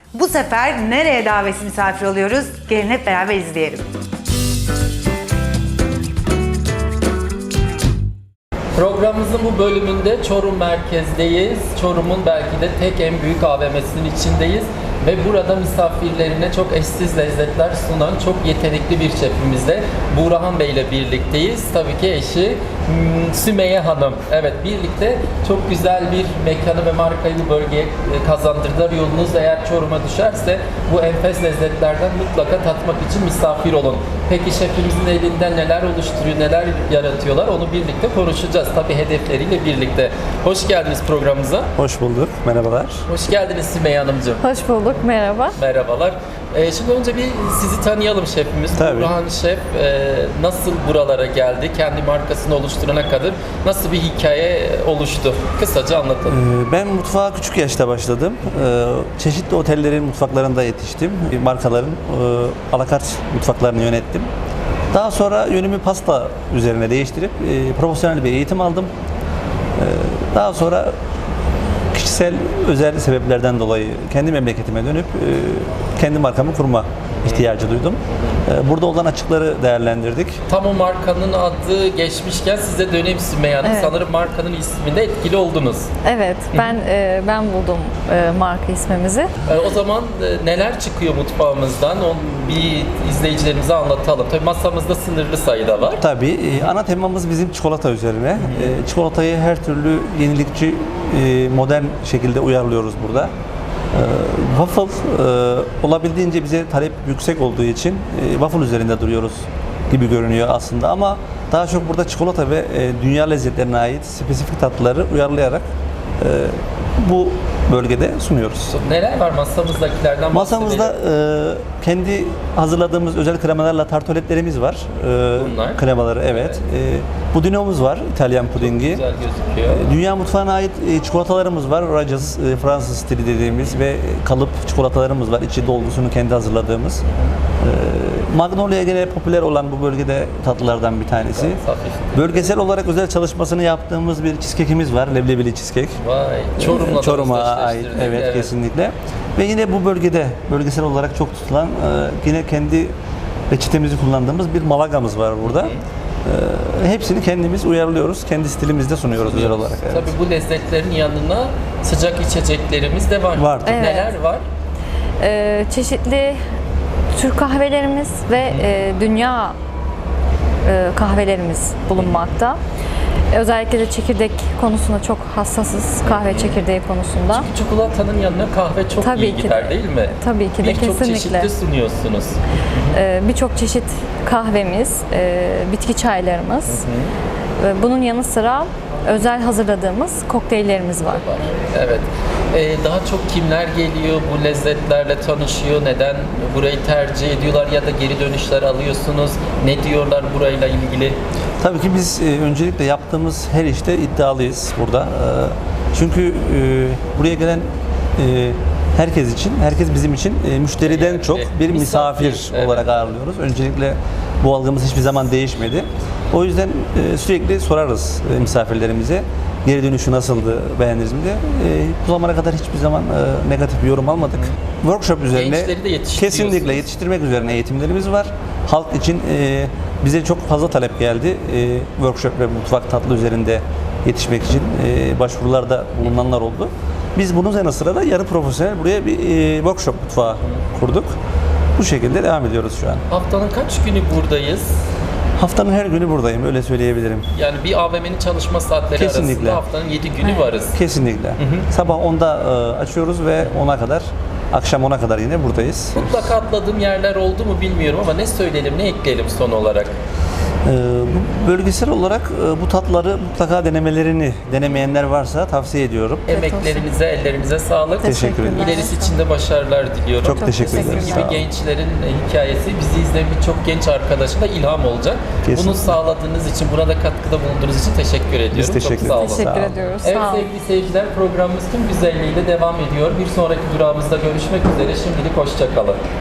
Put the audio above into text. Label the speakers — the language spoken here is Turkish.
Speaker 1: Bu sefer nereye davetsiz misafir oluyoruz? Gelin hep beraber izleyelim.
Speaker 2: Programımızın bu bölümünde Çorum merkezdeyiz. Çorum'un belki de tek en büyük AVM'sinin içindeyiz. Ve burada misafirlerine çok eşsiz lezzetler sunan çok yetenekli bir şefimizle Buğrahan Bey ile birlikteyiz. Tabii ki eşi Sümeyye Hanım. Evet, birlikte çok güzel bir mekanı ve markayı bu bölgeye kazandırdılar. Yolunuz eğer Çorum'a düşerse bu enfes lezzetlerden mutlaka tatmak için misafir olun. Peki şefimizin elinden neler oluşturuyor, neler yaratıyorlar onu birlikte konuşacağız. Tabii hedefleriyle birlikte. Hoş geldiniz programımıza.
Speaker 3: Hoş bulduk, merhabalar.
Speaker 2: Hoş geldiniz Sümeyye Hanımcığım.
Speaker 4: Hoş bulduk, merhaba.
Speaker 2: Merhabalar. Şimdi önce bir sizi tanıyalım şefimiz.
Speaker 3: Tabii.
Speaker 2: Buğrahan Şef nasıl buralara geldi? Kendi markasını oluşturana kadar nasıl bir hikaye oluştu? Kısaca anlatalım.
Speaker 3: Ben mutfağa küçük yaşta başladım. Çeşitli otellerin mutfaklarında yetiştim. Markaların alakart mutfaklarını yönettim. Daha sonra yönümü pasta üzerine değiştirip profesyonel bir eğitim aldım. Daha sonra kişisel özel sebeplerden dolayı kendi memleketime dönüp kendi markamı kurma ihtiyacı duydum. Burada olan açıkları değerlendirdik.
Speaker 2: Tam o markanın adı geçmişken size döneyim Sümeyye Hanım.
Speaker 4: Evet.
Speaker 2: Sanırım markanın isminde etkili oldunuz.
Speaker 4: Evet, ben buldum marka ismimizi.
Speaker 2: O zaman neler çıkıyor mutfağımızdan? Onu bir izleyicilerimize anlatalım. Tabii masamızda sınırlı sayıda var.
Speaker 3: Tabii ana temamız bizim çikolata üzerine. Çikolatayı her türlü yenilikçi, modern şekilde uyarlıyoruz burada. Waffle olabildiğince bize talep yüksek olduğu için waffle üzerinde duruyoruz gibi görünüyor aslında, ama daha çok burada çikolata ve dünya lezzetlerine ait spesifik tatlıları uyarlayarak bu bölgede sunuyoruz.
Speaker 2: Neler var masamızdakilerden
Speaker 3: Masamızda
Speaker 2: bahsedelim.
Speaker 3: kendi hazırladığımız özel kremalarla tartoletlerimiz var.
Speaker 2: Bunlar?
Speaker 3: Kremaları, evet. Pudingimiz var, İtalyan pudingi.
Speaker 2: Güzel gözüküyor.
Speaker 3: Dünya mutfağına ait çikolatalarımız var. Rogers, Fransız stili dediğimiz ve kalıp çikolatalarımız var. İçi dolgusunu kendi hazırladığımız. Magnolia gene popüler olan bu bölgede tatlılardan bir tanesi.
Speaker 2: Hafif.
Speaker 3: Bölgesel olarak özel çalışmasını yaptığımız bir cheesecake'imiz var. Leblebili cheesecake.
Speaker 2: Vay, Çorum'la da
Speaker 3: ait.
Speaker 2: özdeşleştirdik.
Speaker 3: Evet, kesinlikle. Ve yine bu bölgede bölgesel olarak çok tutulan yine kendi reçetemizi kullandığımız bir malagamız var burada. Hepsini kendimiz uyarlıyoruz. Kendi stilimizde sunuyoruz özel olarak. Evet.
Speaker 2: Tabii bu lezzetlerin yanına sıcak içeceklerimiz de var.
Speaker 3: Var.
Speaker 4: Evet.
Speaker 2: Neler var?
Speaker 4: Çeşitli Türk kahvelerimiz ve dünya kahvelerimiz bulunmakta. Özellikle de çekirdek konusunda çok hassasız, kahve çekirdeği konusunda.
Speaker 2: Çikolatanın yanına kahve çok
Speaker 4: Tabii
Speaker 2: iyi
Speaker 4: ki
Speaker 2: gider
Speaker 4: de.
Speaker 2: değil mi?
Speaker 4: Tabii ki de,
Speaker 2: Birçok
Speaker 4: kesinlikle.
Speaker 2: çeşitli sunuyorsunuz.
Speaker 4: Birçok çeşit kahvemiz, bitki çaylarımız. Bunun yanı sıra özel hazırladığımız kokteyllerimiz var.
Speaker 2: Evet. Daha çok kimler geliyor bu lezzetlerle tanışıyor? Neden burayı tercih ediyorlar ya da geri dönüşler alıyorsunuz? Ne diyorlar burayla ilgili?
Speaker 3: Tabii ki biz öncelikle yaptığımız her işte iddialıyız burada. Çünkü buraya gelen herkes için, herkes bizim için müşteriden çok bir misafir
Speaker 2: evet.
Speaker 3: olarak ağırlıyoruz. Öncelikle bu algımız hiçbir zaman değişmedi. O yüzden sürekli sorarız misafirlerimize. Geri dönüşü nasıldı, beğendiniz mi diye. Bu zamana kadar hiçbir zaman negatif bir yorum almadık. Workshop üzerine
Speaker 2: Gençleri de yetiştiriyorsunuz.
Speaker 3: kesinlikle yetiştirmek üzerine eğitimlerimiz var. Halk için bize çok fazla talep geldi. Workshop ve mutfak tatlı üzerinde yetişmek için başvurularda bulunanlar oldu. Biz bunun yanı sıra da yarı profesyonel buraya bir workshop mutfağı kurduk. Bu şekilde devam ediyoruz şu an.
Speaker 2: Haftanın kaç günü buradayız?
Speaker 3: Haftanın her günü buradayım, öyle söyleyebilirim.
Speaker 2: Yani bir AVM'nin çalışma saatleri
Speaker 3: Kesinlikle.
Speaker 2: arasında haftanın 7 günü varız.
Speaker 3: Kesinlikle. Sabah 10'da açıyoruz ve 10'a kadar, akşam 10'a kadar yine buradayız.
Speaker 2: Mutlaka atladığım yerler oldu mu bilmiyorum ama ne söyleyelim, ne ekleyelim son olarak?
Speaker 3: Bu bölgesel olarak bu tatları mutlaka denemeyenler varsa tavsiye ediyorum.
Speaker 2: Emeklerinize, ellerinize sağlık.
Speaker 3: Teşekkür ederim.
Speaker 2: İlerisi için de başarılar diliyorum.
Speaker 3: Çok teşekkür
Speaker 2: Sizin
Speaker 3: ederim.
Speaker 2: gibi
Speaker 3: Sağ olun.
Speaker 2: gençlerin hikayesi bizi izleyen birçok genç arkadaşına ilham olacak.
Speaker 3: Kesin.
Speaker 2: Bunu sağladığınız için, buna da katkıda bulunduğunuz için teşekkür ediyorum.
Speaker 3: Biz teşekkür
Speaker 2: Çok sağ olun.
Speaker 3: ederiz.
Speaker 4: Teşekkür
Speaker 3: Sağ olun.
Speaker 4: ediyoruz.
Speaker 2: Evet
Speaker 4: Sağ olun.
Speaker 2: sevgili seyirciler, programımız tüm güzelliğiyle devam ediyor. Bir sonraki durağımızda görüşmek üzere. Şimdilik hoşça kalın.